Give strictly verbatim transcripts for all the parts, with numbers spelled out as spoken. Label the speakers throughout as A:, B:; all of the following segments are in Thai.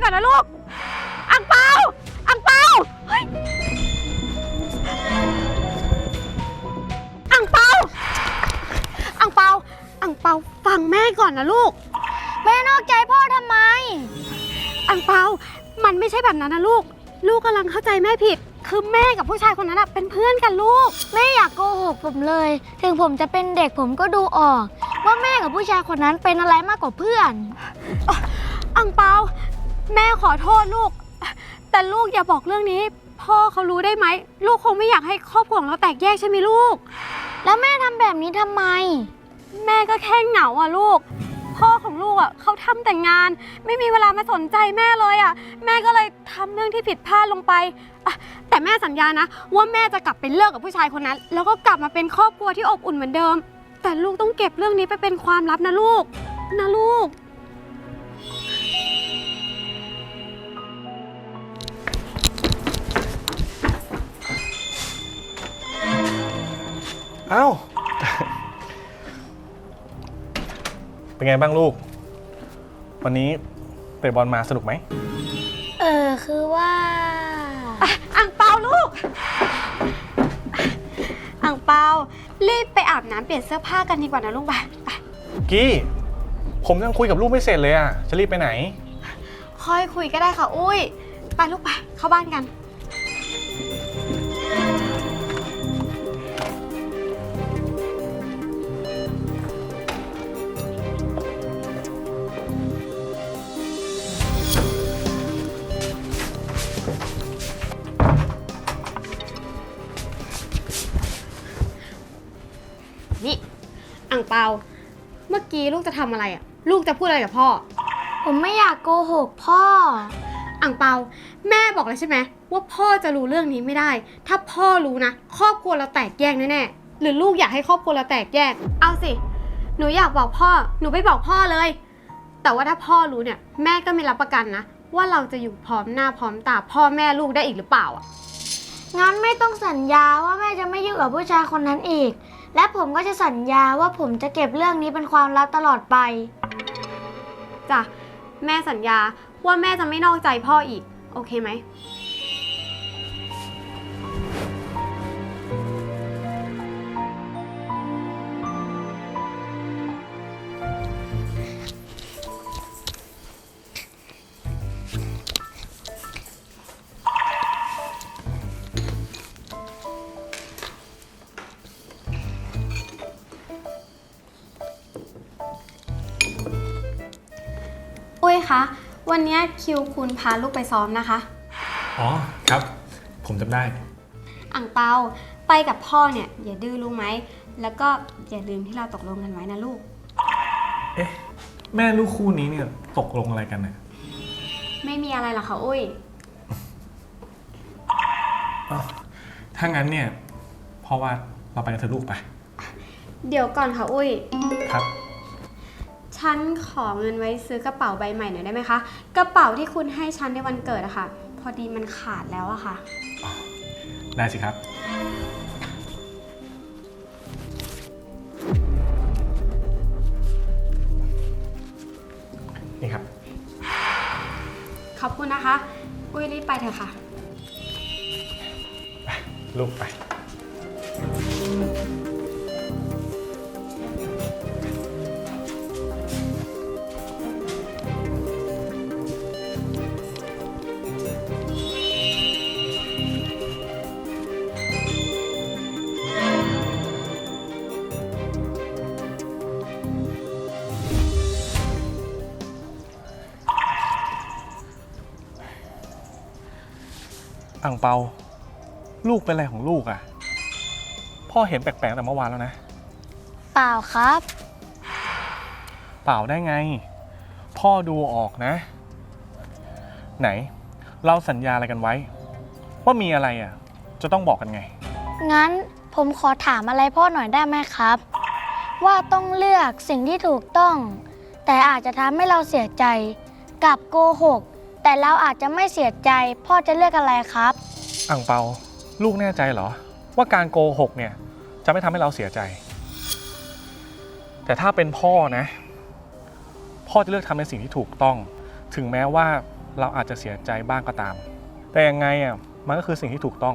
A: อนนะลูกอังเปาอังเปาเฮ้ยอังเปาอังเปาอังเปาฟังแม่ก่อนนะลูก
B: แม่นอกใจพ่อทำไม
A: อังเปามันไม่ใช่แบบนั้นนะลูกลูกกำลังเข้าใจแม่ผิดคือแม่กับผู้ชายคนนั้นเป็นเพื่อนกันลูก
B: แม่อยากโกหกผมเลยถึงผมจะเป็นเด็กผมก็ดูออกว่าแม่กับผู้ชายคนนั้นเป็นอะไรมากกว่าเพื่อน
A: อังเปาแม่ขอโทษลูกแต่ลูกอย่าบอกเรื่องนี้พ่อเขารู้ได้ไหมลูกคงไม่อยากให้ครอบครัวของเราแตกแยกใช่ไหมลูก
B: แล้วแม่ทำแบบนี้ทำไม
A: แม่ก็แค่เหงาอ่ะลูกพ่อของลูกอ่ะเขาทำแต่งงานไม่มีเวลามาสนใจแม่เลยอ่ะแม่ก็เลยทำเรื่องที่ผิดพลาดลงไปแต่แม่สัญญานะว่าแม่จะกลับไปเลิกกับผู้ชายคนนั้นแล้วก็กลับมาเป็นครอบครัวที่อบอุ่นเหมือนเดิมแต่ลูกต้องเก็บเรื่องนี้ไปเป็นความลับนะลูกนะลูก
C: เอ้าเป็นไงบ้างลูกวันนี้เตะบอลมาสนุกไหม
B: เออคือว่า
A: อังเปาลูกอังเปารีบไปอาบน้ำเปลี่ยนเสื้อผ้ากันดีกว่านะลูกไปไป
C: กี้ผมยังคุยกับลูกไม่เสร็จเลยอ่ะจะรีบไปไหน
A: ค่อยคุยก็ได้ค่ะอุ้ยไปลูกไปเข้าบ้านกันนี่อังเปาเมื่อกี้ลูกจะทำอะไรอ่ะลูกจะพูดอะไรกับพ่อ
B: ผมไม่อยากโกหกพ่อ
A: อังเปาแม่บอกแล้วใช่ไหมว่าพ่อจะรู้เรื่องนี้ไม่ได้ถ้าพ่อรู้นะครอบครัวเราแตกแยกแน่ๆหรือลูกอยากให้ครอบครัวเราแตกแยกเอาสิหนูอยากบอกพ่อหนูไปบอกพ่อเลยแต่ว่าถ้าพ่อรู้เนี่ยแม่ก็ไม่รับประกันนะว่าเราจะอยู่พร้อมหน้าพร้อมตาพ่อแม่ลูกได้อีกหรือเปล่าอ่ะ
B: งั้นไม่ต้องสัญญาว่าแม่จะไม่ยุ่งกับผู้ชายคนนั้นอีกและผมก็จะสัญญาว่าผมจะเก็บเรื่องนี้เป็นความลับตลอดไป
A: จ้ะแม่สัญญาว่าแม่จะไม่นอกใจพ่ออีกโอเคไหมอุ้ยคะวันนี้คิวคุณพาลูกไปซ้อมนะคะ
C: อ๋อครับผมจำได้
A: อั่งเปาไปกับพ่อเนี่ยอย่าดื้อรู้ไหมแล้วก็อย่าลืมที่เราตกลงกันไว้นะลูก
C: เอ๊ะแม่ลูกคู่นี้เนี่ยตกลงอะไรกันเนี่ย
A: ไม่มีอะไรหรอกค่ะอุ้ย
C: ถ้างั้นเนี่ยพ่อว่าเราไปกันเถอะลูกไป
A: เดี๋ยวก่อนค่ะอุ้ย
C: ครับ
A: ฉันขอเงินไว้ซื้อกระเป๋าใบใหม่หน่อยได้ไหมคะกระเป๋าที่คุณให้ฉันในวันเกิดอะค่ะพอดีมันขาดแล้วอะค่ะ
C: ได้สิครับนี่ครับ
A: ขอบคุณนะคะอุ้ยรีบไปเถอะค่ะ
C: ไปลูกไปอั่งเปาลูกเป็นอะไรของลูกอ่ะพ่อเห็นแปลกๆแต่เมื่อวานแล้วนะ
B: เปล่าครับ
C: เปล่าได้ไงพ่อดูออกนะไหนเราสัญญาอะไรกันไว้ว่ามีอะไรอ่ะจะต้องบอกกันไง
B: งั้นผมขอถามอะไรพ่อหน่อยได้ไหมครับว่าต้องเลือกสิ่งที่ถูกต้องแต่อาจจะทำให้เราเสียใจกับโกหกแต่เราอาจจะไม่เสียใจพ่อจะเลือกอะไรครับ
C: อั่งเปาลูกแน่ใจเหรอว่าการโกหกเนี่ยจะไม่ทำให้เราเสียใจแต่ แต่ถ้าเป็นพ่อนะพ่อจะเลือกทำในสิ่งที่ถูกต้องถึงแม้ว่าเราอาจจะเสียใจบ้างก็ตาม แต่ยังไงอ่ะมันก็คือสิ่งที่ถูกต้อง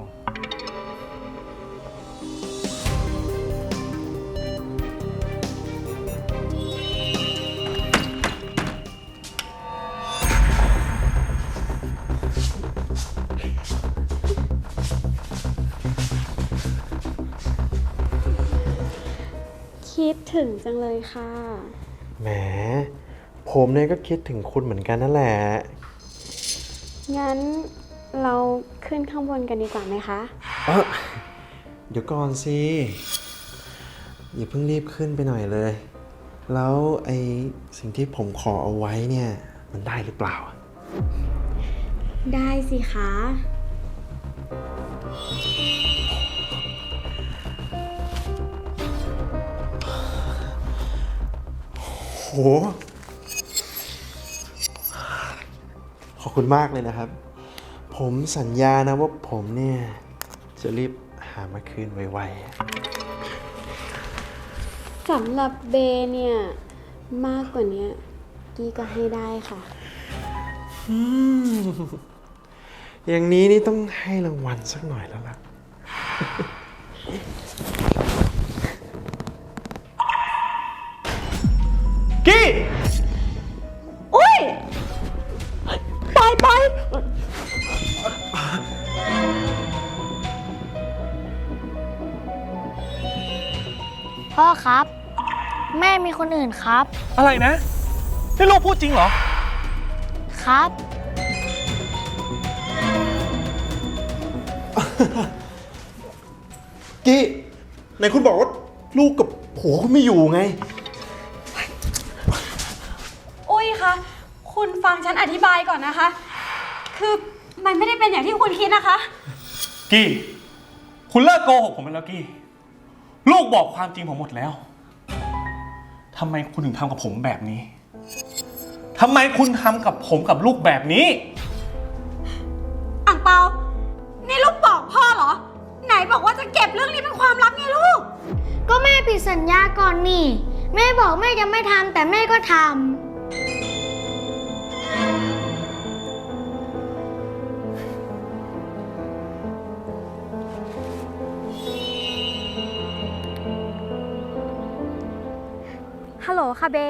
A: คิดถึงจังเลยค่ะ
D: แหม ผมเนี่ยก็คิดถึงคุณเหมือนกันนั่นแหละ
A: งั้นเราขึ้นข้างบนกันดีกว่าไหมคะ
D: เออเดี๋ยวก่อนสิ อย่าเพิ่งรีบขึ้นไปหน่อยเลย แล้วไอสิ่งที่ผมขอเอาไว้เนี่ย มันได้หรือเปล่า
A: ได้สิคะ
D: โห ขอบคุณมากเลยนะครับ ผมสัญญานะว่าผมเนี่ย จะรีบหามาคืนไวๆ
A: สำหรับเบเนี่ย มากกว่านี้กี้ก็ให้ได้ค่ะ
D: อืมอย่างนี้นี่ต้องให้รางวัลสักหน่อยแล้วล่ะ
C: กี้
A: อุ้ยไปไป
B: พ่อครับ แม่มีคนอื่นครับ
C: อะไรนะนี่ลูกพูดจริงเหรอ
B: ครับ
D: กี้ไหนคุณบอกว่าลูกกับผัวคุณไม่อยู่ไง
A: อุ้ยคะคุณฟังฉันอธิบายก่อนนะคะ คือมันไม่ได้เป็นอย่างที่คุณคิดนะคะ
C: กี้คุณเลิกโกหกผมไปแล้วกี้ลูกบอกความจริงผมหมดแล้วทำไมคุณถึงทำกับผมแบบนี้ทำไมคุณทำกับผมกับลูกแบบนี้
A: อ่างเปา นี่ลูกบอกพ่อเหรอ ไหนบอกว่าจะเก็บเรื่องนี้เป็นความลับไงลูก
B: ก็แม่ผิดสัญญาก่อนนี่ แม่บอกแม่จะไม่ทำแต่แม่ก็ทำ
A: ฮัลโหลค่ะเบ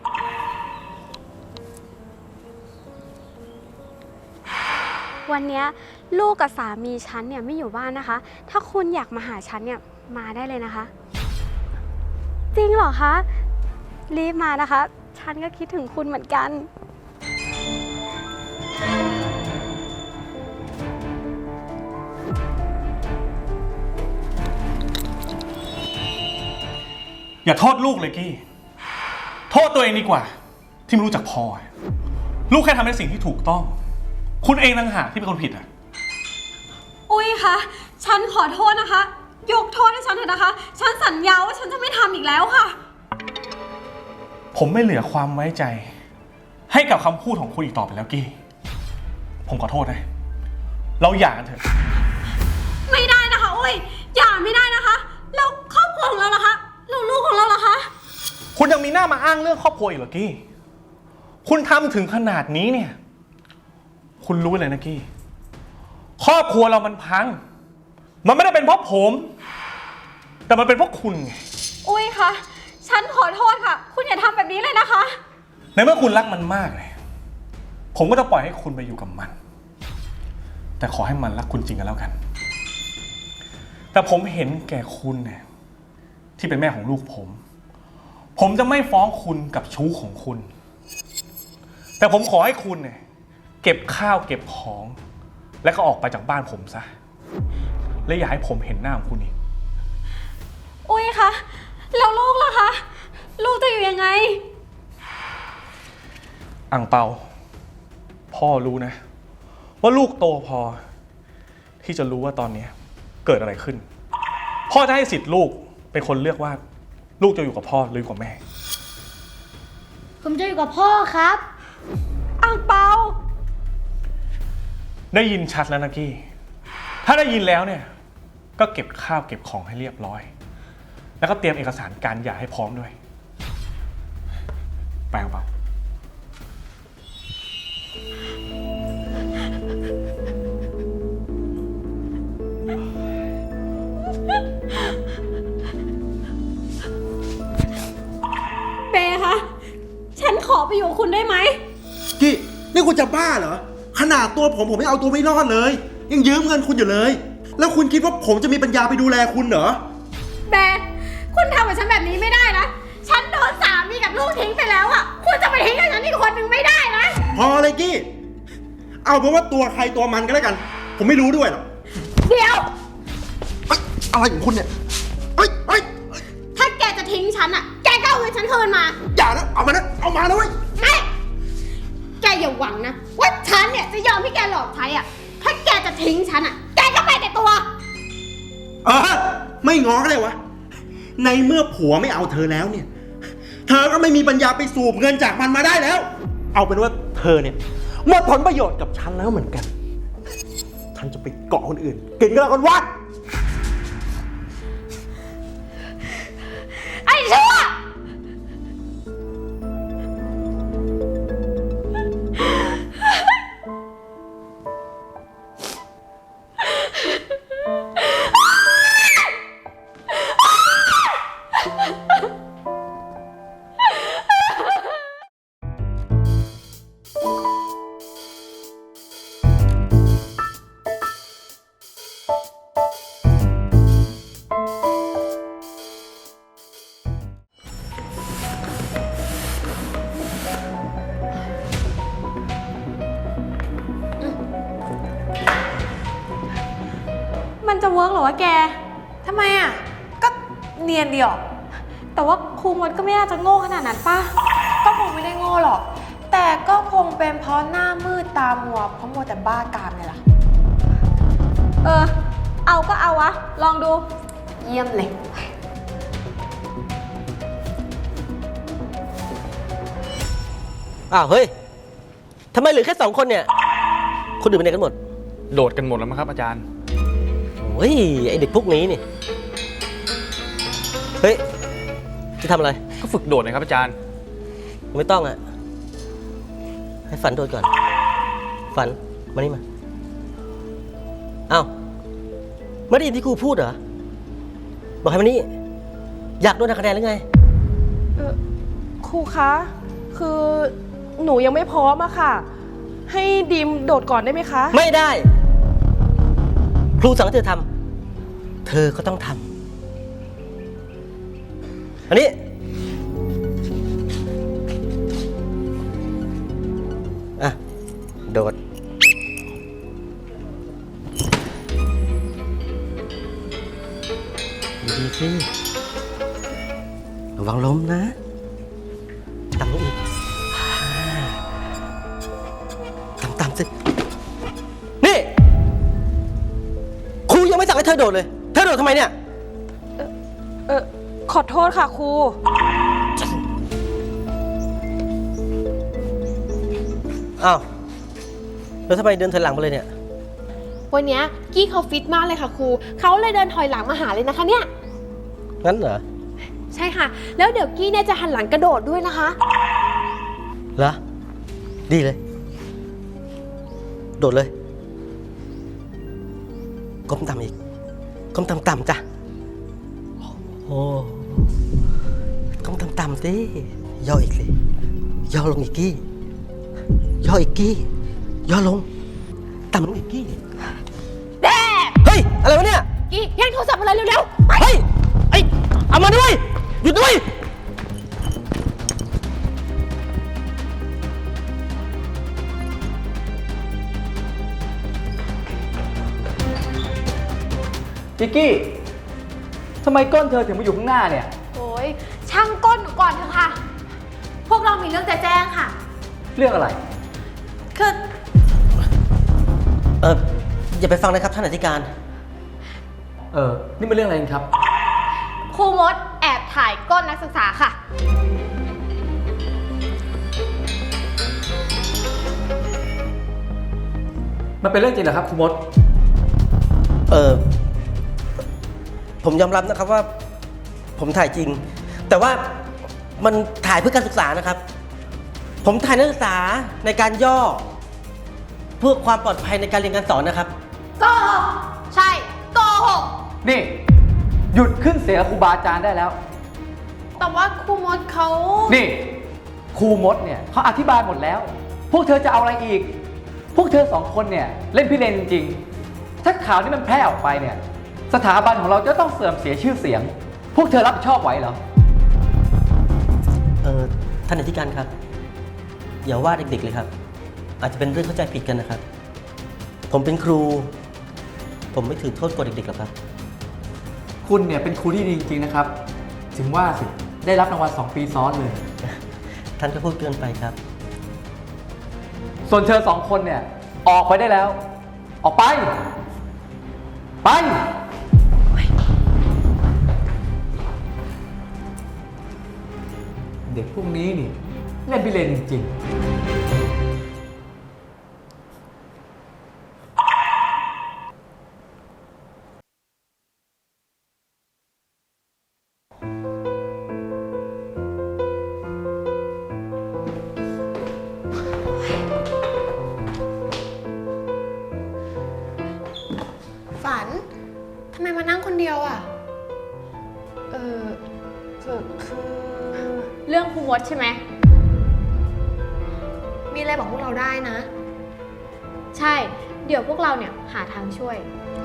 A: วันเนี้ยลูกกับสามีฉันเนี่ยไม่อยู่บ้านนะคะ ถ้าคุณอยากมาหาฉันเนี่ยมาได้เลยนะคะ จริงเหรอคะ รีบมานะคะ ฉันก็คิดถึงคุณเหมือนกัน
C: อย่าโทษลูกเลยกี้โทษตัวเองดีกว่า ที่ไม่รู้จักพอลูกแค่ทำในสิ่งที่ถูกต้อง คุณเองต่างหากที่เป็นคนผิดอ่ะ
A: อุ้ยคะ ฉันขอโทษนะคะ ยกโทษให้ฉันเถอะนะคะ ฉันสัญญาว่าฉันจะไม่ทำอีกแล้วค่ะ
C: ผมไม่เหลือความไว้ใจ ให้กับคำพูดของคุณอีกต่อไปแล้วกี้ผมขอโทษนะเราหย่ากันเถอะ
A: ไม่ได้นะคะอุ้ยอย่าไม่ได้นะคะ แล้วครอบครัวของเราล่ะคะแล้วลูกของเราล่ะคะ
C: คุณยังมีหน้ามาอ้างเรื่องครอบครัวอีกเหรอกี้คุณทำถึงขนาดนี้เนี่ยคุณรู้เลยนะกี้ครอบครัวเรามันพังมันไม่ได้เป็นเพราะผม แต่มันเป็นเพราะคุณไง
A: อุ้ยคะ ฉันขอโทษค่ะ คุณอย่าทำแบบนี้เลยนะคะ
C: ในเมื่อคุณรักมันมากเลยผมก็จะปล่อยให้คุณไปอยู่กับมัน แต่ขอให้มันรักคุณจริงกันแล้วกัน แต่ผมเห็นแก่คุณเนี่ยที่เป็นแม่ของลูกผม ผมจะไม่ฟ้องคุณกับชู้ของคุณ แต่ผมขอให้คุณเนี่ยเก็บข้าวเก็บของ และก็ออกไปจากบ้านผมซะและอย่าให้ผมเห็นหน้าของคุณอีก
A: อุ้ยคะ แล้วลูกล่ะคะ ลูกจะอยู่ยังไง
C: อังเปาพ่อรู้นะว่าลูกโตพอที่จะรู้ว่าตอนนี้เกิดอะไรขึ้นพ่อจะให้สิทธิ์ลูกเป็นคนเลือกว่าลูกจะอยู่กับพ่อหรืออยู่กับแม่
B: ผมจะอยู่กับพ่อครับ
A: อ่างเปา
C: ได้ยินชัดแล้วนะกี้ถ้าได้ยินแล้วเนี่ยก็เก็บข้าวเก็บของให้เรียบร้อยแล้วก็เตรียมเอกสารการหย่าให้พร้อมด้วยไปอังเปา
D: นี่คุณจะบ้าเหรอ ขนาดตัวผมผมไม่เอาตัวไม่รอดเลย ยังยืมเงินคุณอยู่เลย แล้วคุณคิดว่าผมจะมีปัญญาไปดูแลคุณเหรอ
A: แบร์คุณทำกับฉันแบบนี้ไม่ได้นะ ฉันโดนสามีกับลูกทิ้งไปแล้วอะคุณจะไปทิ้งกับฉันอีกคนนึงไม่ได้นะ
D: พอเลยกี้ เอาเป็นว่าตัวใครตัวมันก็แล้วกัน ผมไม่รู้ด้วยหรอก
A: เดี๋ยว
D: เอ้ยอะไรของคุณเนี่ยเฮ้ยเฮ้ย
A: ถ้าแกจะทิ้งฉันอะแกก็เอาเงินฉันคืนมา
D: อย่านะ เอามานะ เอามานะเว้ย
A: ไม่ แกอย่าหวังนะว่าฉันเนี่ยจะยอมให้แกหลอกใช้อะถ้าแกจะทิ้งฉันอะแกก็ไปแต่ตัว
D: เออ ไม่ง้อก็เลยวะ ในเมื่อผัวไม่เอาเธอแล้วเนี่ย เธอก็ไม่มีปัญญาไปสูบเงินจากมันมาได้แล้ว เอาเป็นว่าเธอเนี่ยหมดผลประโยชน์กับฉันแล้วเหมือนกัน ฉันจะไปเกาะคนอื่น กินก็แล้วกันวะ
A: ไอ้ชั่ว มันจะเวิร์กเหรอวะแก
E: ทำไมอ่ะ ก็เนียนดีออก
A: แต่ว่าครูมดก็ไม่น่าจะโง่ขนาดนั้นป่ะ
E: ก็คงไม่ได้โง่หรอก แต่ก็คงเป็นเพราะหน้ามืดตามัวเพราะมัวแต่บ้ากามเนี่ยแหละ
A: เออ เอาก็เอาวะ ลองดู
E: เยี่ยมเลย
F: อ้าวเฮ้ย ทำไมเหลือแค่สองคนเนี่ย คนอื่นไปไหนกันหมด
C: โดดกันหมดแล้วมั้งครับอาจารย์
F: โอ้ย ไอเด็กพวกนี้นี่ เฮ้ย จะทำอะไร
C: ก็ฝึกโดดนะครับอาจารย์
F: ไม่ต้องอะให้ฝันโดดก่อน ฝัน มานี่มา อ้าวไม่ได้ยินที่ครูพูดเหรอ บอกให้มานี่ อยากโดนหักคะแนนหรือไง
G: เอ่อครูคะ คือหนูยังไม่พร้อมอะค่ะ ให้ดีมโดดก่อนได้ไหมคะ
F: ไม่ได้ ครูสั่งให้เธอทำ เธอก็ต้องทำ อันนี้ อ่ะ โดด ดีๆสิระวังล้มนะต่ำลงอีกอ่าต่ำๆสิ นี่ ครูยังไม่สั่งให้เธอโดดเลย เธอโดดทำไมเนี่ย
G: เออขอโทษค่ะครู
F: อ้าว แล้วทำไมเดินถอยหลังมาเลยเนี่ย
H: วันเนี้ยกี้เขาฟิตมากเลยค่ะครู เขาเลยเดินถอยหลังมาหาเลยนะคะเนี่ย
F: งั้นเหรอ
H: ใช่ค่ะ แล้วเดี๋ยวกี้เนี่ยจะหันหลังกระโดดด้วยนะคะ
F: เหรอ ดีเลย โดดเลยก้มต่ำอีกก้มต่ำๆจ้ะ โอ้ก้มต่ำๆสิย่ออีกสิย่อลงอีกกี้ ย่ออีกกี้ ย่อลง ต่ำลงอีกกี้แดเฮ้ย อะไรวะเนี่ย
H: กี้แย่งโทรศัพท์อะไรเร็วๆ
F: เฮ้ย ไอ้ เอามาด้วย หยุดด้วย
I: จิกกี้ ทำไมก้นเธอถึงมาอยู่ข้างหน้าเนี่ย
H: โอ้ยช่างก้นหนูก่อนเถอะค่ะ พวกเรามีเรื่องจะแจ้งค่ะ
I: เรื่องอะไร
H: คือ
F: เอออย่าไปฟังนะครับท่านอธิการ
I: เออ นี่เป็นเรื่องอะไรกันครับ
H: ครูมดแอบถ่ายก้นนักศึกษาค่ะ
I: มันเป็นเรื่องจริงเหรอครับครูมด
F: เออผมยอมรับนะครับว่า ผมถ่ายจริง แต่ว่ามันถ่ายเพื่อการศึกษานะครับ ผมถ่ายนักศึกษาในการย่อ เพื่อความปลอดภัยในการเรียนการสอนนะครับ
H: โกหก ใช่ โกหก
I: นี่ หยุดขึ้นเสียงกับครูบาอาจารย์ได้แล้ว
H: แต่ว่าครูมดเขา
I: นี่ ครูมดเนี่ยเขาอธิบายหมดแล้ว พวกเธอจะเอาอะไรอีก พวกเธอสองคนเนี่ยเล่นพิเรนจริงๆถ้าข่าวนี้มันแพร่ออกไปเนี่ยสถาบันของเราจะต้องเสื่อมเสียชื่อเสียง พวกเธอรับผิดชอบไหวเหรอ
F: เออท่านอธิการครับ อย่าว่าเด็กๆเลยครับ อาจจะเป็นเรื่องเข้าใจผิดกันนะครับ ผมเป็นครู ผมไม่ถือโทษกว่าเด็กๆหรอกครับ
I: คุณเนี่ยเป็นครูที่ดีจริงๆนะครับ ถึงว่าสิได้รับรางวัลสองปีซ้อนเลย
F: ท่านก็พูดเกินไปครับ
I: ส่วนเธอสองคนเนี่ยออกไปได้แล้ว ออกไป ไป เด็กพวกนี้นี่เล่นพิเรนจริงๆ
H: ฝัน ทำไมมานั่งคนเดียวอ่ะ
E: เออคือคือ
A: เรื่องครูมดใช่ไหม มีอะไรบอกพวกเราได้นะ ใช่ เดี๋ยวพวกเราเนี่ยหาทางช่วย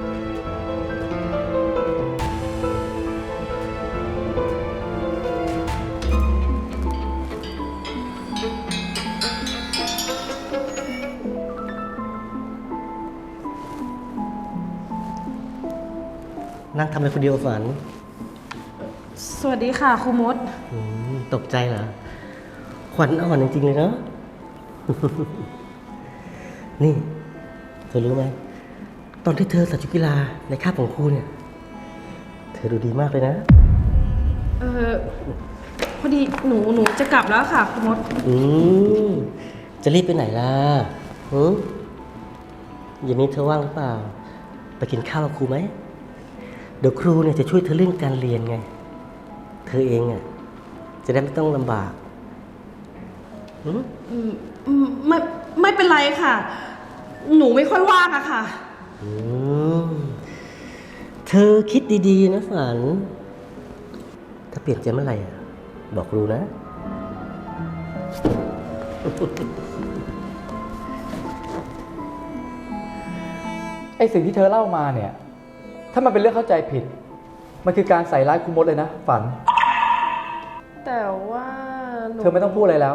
F: นั่งทำอะไรคนเดียวฝัน
G: สวัสดีค่ะครูมด
F: อืมตกใจเหรอ ขวัญอ่อนจริงๆเลยเนาะ นี่ เธอรู้ไหม ตอนที่เธอใส่ชุดกีฬาในคาบของครูเนี่ย เธอดูดีมากเลยนะ
G: เออพอดีหนูหนูจะกลับแล้วค่ะครูมด
F: อืมจะรีบไปไหนล่ะหือเย็นนี้เธอว่างหรือเปล่า ไปกินข้าวกับครูไหม เดี๋ยวครูเนี่ยจะช่วยเธอเรื่องการเรียนไง เธอเองอ่ะจะได้ไม่ต้องลำบากหือ
G: อืมอืมไม่ไม่เป็นไรค่ะ หนูไม่ค่อยว่างอะค่ะ
F: อืมเธอคิดดีๆนะฝัน ถ้าเปลี่ยนใจเมื่อไหร่อ่ะ บอกครูนะ
I: ไอสิ่งที่เธอเล่ามาเนี่ย ถ้ามันเป็นเรื่องเข้าใจผิด มันคือการใส่ร้ายครูมดเลยนะ ฝัน
G: แต่ว่าหนู
I: เธอไม่ต้องพูดอะไรแล้ว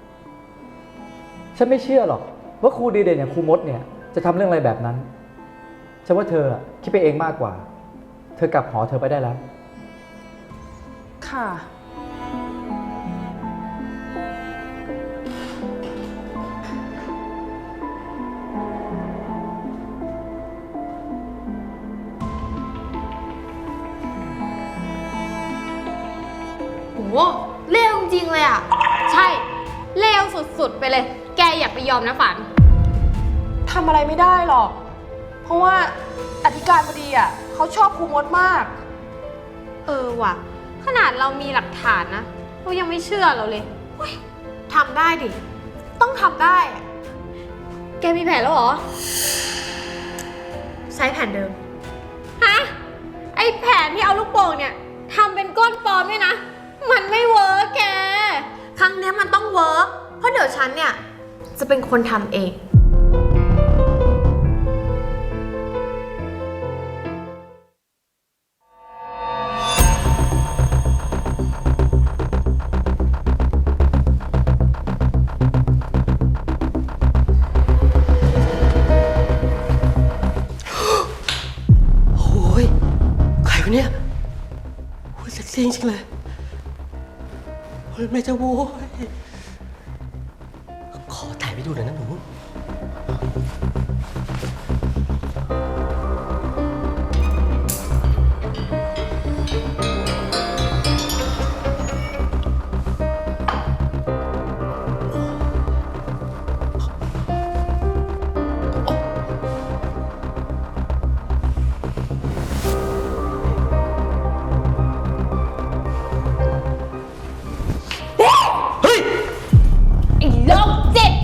I: ฉันไม่เชื่อหรอก ว่าครูดีเด่นอย่างครูมดเนี่ยจะทำเรื่องอะไรแบบนั้น ฉันว่าเธอคิดไปเองมากกว่า เธอกลับหอเธอไปได้แล้ว
G: ค่ะ
A: โหเลวจริงๆเลยอ่ะ ใช่ เลวสุดๆไปเลย แกอย่าไปยอมนะฝัน
G: ทำอะไรไม่ได้หรอก เพราะว่าอธิการบดีอ่ะเขาชอบครูมดมาก
A: เออว่ะ ขนาดเรามีหลักฐานนะเรายังไม่เชื่อเราเลยเฮ้ยทำได้ดิ ต้องทำได้อะแกมีแผนแล้วเหรอ ใช้แผนเดิม ฮะ ไอแผนที่เอาลูกโป่งเนี่ยทำเป็นก้นปลอมเนี่ยนะ มันไม่เวิร์กแก
H: ครั้งเนี้ยมันต้องเวิร์กเพราะเดี๋ยวฉันเนี่ย จะเป็นคนทำเอง
F: โอ้ยใครวะเนี่ยโอ้ยเซ็กซี่จริงๆเลยโอ้ยแม่เจ้าโว้ยขอถ่ายไปดูหน่อยนะหนู เฮ้ย
A: ไอ้โรคจิต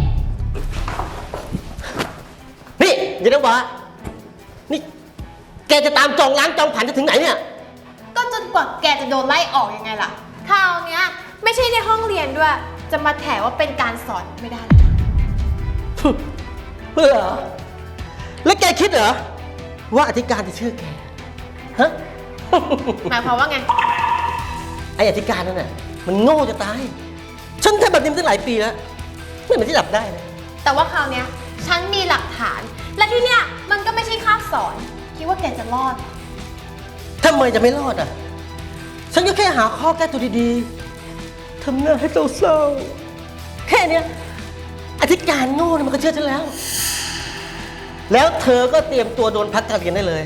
F: นี่อย่านะวะนี่ แกจะตามจองล้างจองผ่านจะถึงไหนเนี่ย
H: ก็จนกว่าแกจะโดนไล่ออกยังไงล่ะ คราวเนี้ยไม่ใช่ในห้องเรียนด้วย จะมาแถว่าเป็นการสอนไม่ได้เลยนะ
F: เหรอ แล้วแกคิดเหรอ ว่าอธิการจะเชื่อแก ฮะ
H: หมายความว่าไง
F: ไออธิการนั่นน่ะ มันโง่จะตาย ฉันทำแบบนี้มาตั้งหลายปีแล้ว ไม่เหมือนที่จับได้เลย
H: แต่ว่าคราวเนี้ยฉันมีหลักฐาน และที่เนี้ยมันก็ไม่ใช่คาบสอน คิดว่าแกจะรอด
F: ทำไมจะไม่รอดอ่ะ ฉันก็แค่หาข้อแก้ตัวดีๆ ทำหน้าให้เศร้าๆ แค่เนี้ยอธิการโง่เนี่ยมันก็เชื่อฉันแล้ว แล้วเธอก็เตรียมตัวโดนพักการเรียนได้เลย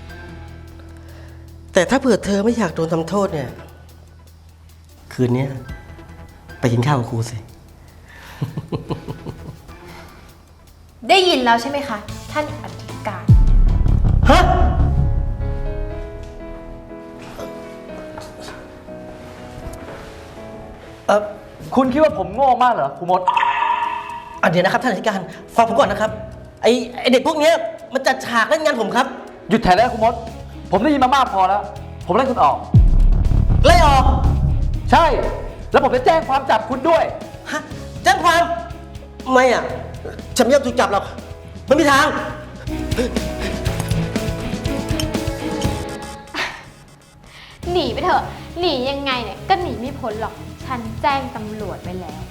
F: แต่ถ้าเผื่อเธอไม่อยากโดนทำโทษเนี่ย คืนนี้ไปกินข้าวกับครูสิ
H: ได้ยินแล้วใช่ไหมคะ ท่านอธิการ
F: ฮะ
I: เออคุณคิดว่าผมโง่มากเหรอครูมด
F: อ่ะเดี๋ยวนะครับท่านอธิการฟังผมก่อนนะครับ ไอไอเด็กพวกเนี้ยมันจัดฉากเล่นงานผมครับ
I: หยุดแถได้แล้วครูมด ผมได้ยินมามากพอแล้ว ผมไล่คุณออก
F: ไล่ออก
I: ใช่ แล้วผมจะแจ้งความจับคุณด้วย
F: ฮะแจ้งความ ไม่อ่ะ ฉันไม่ยอมถูกจับหรอกไม่มีทาง
A: หนีไปเถอะ หนียังไงเนี่ยก็หนีไม่พ้นหรอก ฉันแจ้งตำรวจไว้แล้ว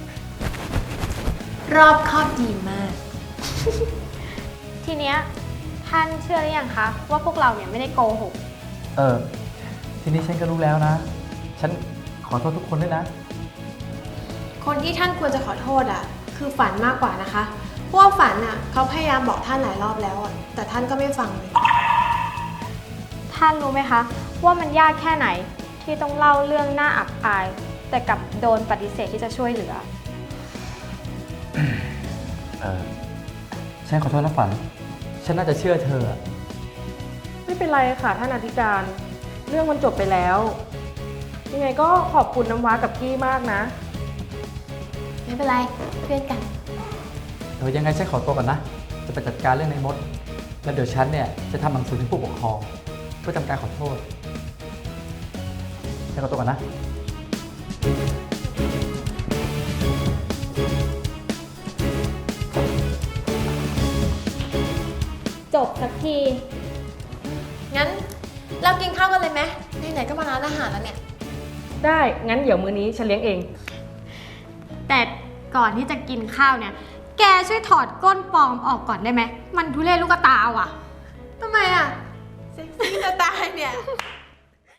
H: รอบคอบดีมาก
A: ทีเนี้ยท่านเชื่อหรือยังคะว่าพวกเราเนี่ยไม่ได้โกหก
I: เออ ทีนี้ฉันก็รู้แล้วนะ ฉันขอโทษทุกคนด้วยนะ
E: คนที่ท่านควรจะขอโทษอ่ะ คือฝันมากกว่านะคะ เพราะว่าฝันอ่ะเขาพยายามบอกท่านหลายรอบแล้วอ่ะ แต่ท่านก็ไม่ฟังเลย
A: ท่านรู้ไหมคะ ว่ามันยากแค่ไหนที่ต้องเล่าเรื่องน่าอับอาย แต่กลับโดนปฏิเสธที่จะช่วยเหลือ
I: เออ ฉันขอโทษนะฝัน ฉันน่าจะเชื่อเธออะ
G: ไม่เป็นไรค่ะท่านอธิการ เรื่องมันจบไปแล้ว ยังไงก็ขอบคุณน้ำว้ากับกี้มากนะ
H: ไม่เป็นไร เพื่อนกัน
I: เดี๋ยวยังไงฉันขอตัวก่อนนะ จะไปจัดการเรื่องในมด แล้วเดี๋ยวฉันเนี่ยจะทำหนังสือถึงผู้ปกครองเพื่อทำการขอโทษ ฉันขอตัวก่อนนะ
A: จบสักที
H: งั้นเรากินข้าวกันเลยไหมไหนๆก็มาร้านอาหารแล้วเนี่ย
G: ได้ งั้นเดี๋ยวมื้อนี้ฉันเลี้ยงเอง
A: แต่ก่อนที่จะกินข้าวเนี่ย แกช่วยถอดก้นปลอมออกก่อนได้ไหม มันทุเรศลูกตาว่ะ
E: ทำไมอ่ะ เซ็กซี่จะตายเนี่ย